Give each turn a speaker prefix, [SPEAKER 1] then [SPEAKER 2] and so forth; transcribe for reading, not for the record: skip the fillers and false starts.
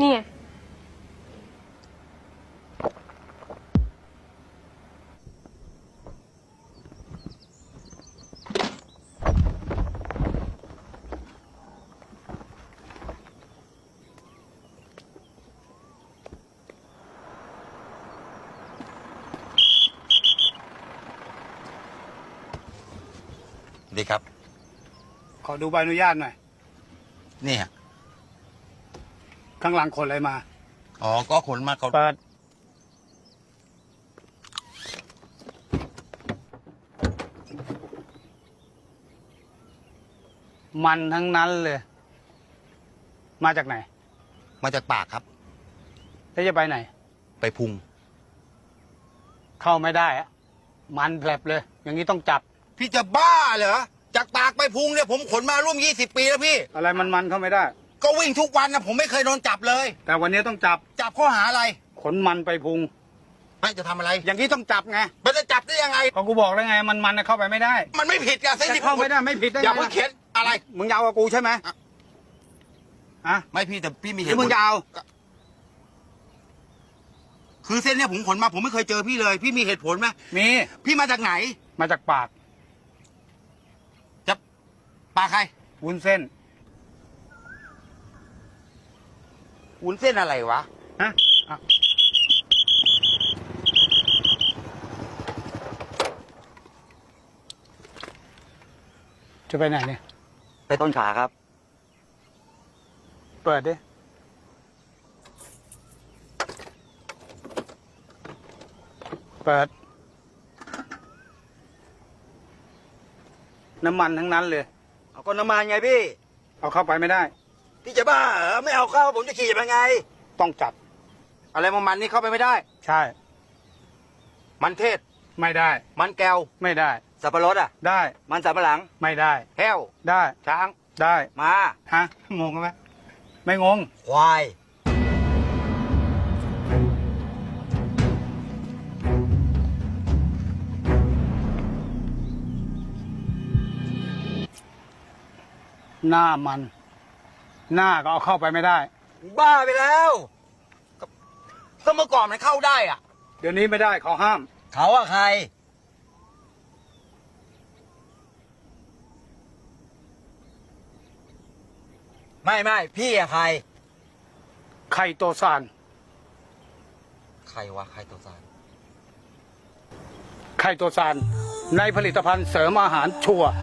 [SPEAKER 1] นี่ไง
[SPEAKER 2] ดีครับ
[SPEAKER 3] ขอดูใบอนุญาตหน่อย
[SPEAKER 2] นี่ฮะ
[SPEAKER 3] ข้างหลังขนอะไรมา
[SPEAKER 2] อ๋อก็ขนมาเขา
[SPEAKER 3] เปิด มันทั้งนั้นเลย มาจากไหน
[SPEAKER 2] มาจากปากครับ
[SPEAKER 3] แล้วจะไปไหน
[SPEAKER 2] ไปพุง
[SPEAKER 3] เข้าไม่ได้อะมันแผลบเลย อย่างนี้ต้องจับ
[SPEAKER 2] พี่จะบ้าเหรอจากปากไปพุงเนี่ยผมขนมาร่วม20 ปีแล้วพี่
[SPEAKER 3] อะไรมันเข้าไม่ได้
[SPEAKER 2] ก็วิ่งทุกวันนะผมไม่เคยโดนจับเลย
[SPEAKER 3] แต่วันนี้ต้องจับ
[SPEAKER 2] จับข้อหาอะไร
[SPEAKER 3] ขนมันไปพุง
[SPEAKER 2] ไม่จะทำอะไร
[SPEAKER 3] อย่างนี้ต้องจับไง
[SPEAKER 2] มันจะจับได้ยังไง
[SPEAKER 3] ก็กูบอกแล้วไง มันเข้าไปไม่ได้
[SPEAKER 2] มันไม่ผิดอะเส้น
[SPEAKER 3] จะ
[SPEAKER 2] ที่
[SPEAKER 3] เข้าไม่ได้ไม่ผิดได้ไง
[SPEAKER 2] อย่าเพิ่งเขียนอะไร
[SPEAKER 3] มึงยาวกับกูใช่ไหมอะ
[SPEAKER 2] ไม่พี่แต่พี่มี
[SPEAKER 3] ห
[SPEAKER 2] เห
[SPEAKER 3] รือ
[SPEAKER 2] ตุผ
[SPEAKER 3] มึ
[SPEAKER 2] ล
[SPEAKER 3] งยาว
[SPEAKER 2] คือเส้นเนี่ยผมขนมาผมไม่เคยเจอพี่เลย พี่มีเหตุผลไหม
[SPEAKER 3] มี
[SPEAKER 2] พี่มาจากไหน
[SPEAKER 3] มาจากปาก
[SPEAKER 2] จะปากใคร
[SPEAKER 3] วุ้นเส้น
[SPEAKER 2] วุ้นเส้นอะไรวะ
[SPEAKER 3] ฮะอ่ะจะไปไหนเนี่ย
[SPEAKER 2] ไปต้นขาครับ
[SPEAKER 3] เปิดดิ เปิด น้ำมันทั้งนั้นเลย
[SPEAKER 2] เอาก็น้ำมันไงพี่
[SPEAKER 3] เอาเข้าไปไม่ได้
[SPEAKER 2] พี่จะบ้าเหรอไม่เอาเข้าผมจะขี่ยังไง
[SPEAKER 3] ต้องจับ
[SPEAKER 2] อะไรมันนี่เข้าไปไม่ได้
[SPEAKER 3] ใช่
[SPEAKER 2] มันเทศ
[SPEAKER 3] ไม่ได้
[SPEAKER 2] มันแก้ว
[SPEAKER 3] ไม่ได้
[SPEAKER 2] สับปะรดอ่ะ
[SPEAKER 3] ได้
[SPEAKER 2] มันสับปะหลัง
[SPEAKER 3] ไม่ได้
[SPEAKER 2] แห้ว
[SPEAKER 3] ได้
[SPEAKER 2] ช้าง
[SPEAKER 3] ได้
[SPEAKER 2] มา
[SPEAKER 3] ฮะ งงไหม ไม่งง
[SPEAKER 2] ควาย
[SPEAKER 3] หน้ามัน หน้าก็เอาเข้าไปไม่ได้
[SPEAKER 2] บ้าไปแล้วก็เมื่อก่อนมันเข้าได้อ่ะ
[SPEAKER 3] เดี๋ยวนี้ไม่ได้เขาห้าม
[SPEAKER 2] เขาอะใคร ไม่พี่อะใคร
[SPEAKER 3] ไข่โตซาน
[SPEAKER 2] ใครวะใครตัวสาร
[SPEAKER 3] ไข่โตซานในผลิตภัณฑ์เสริมอาหารชัวร์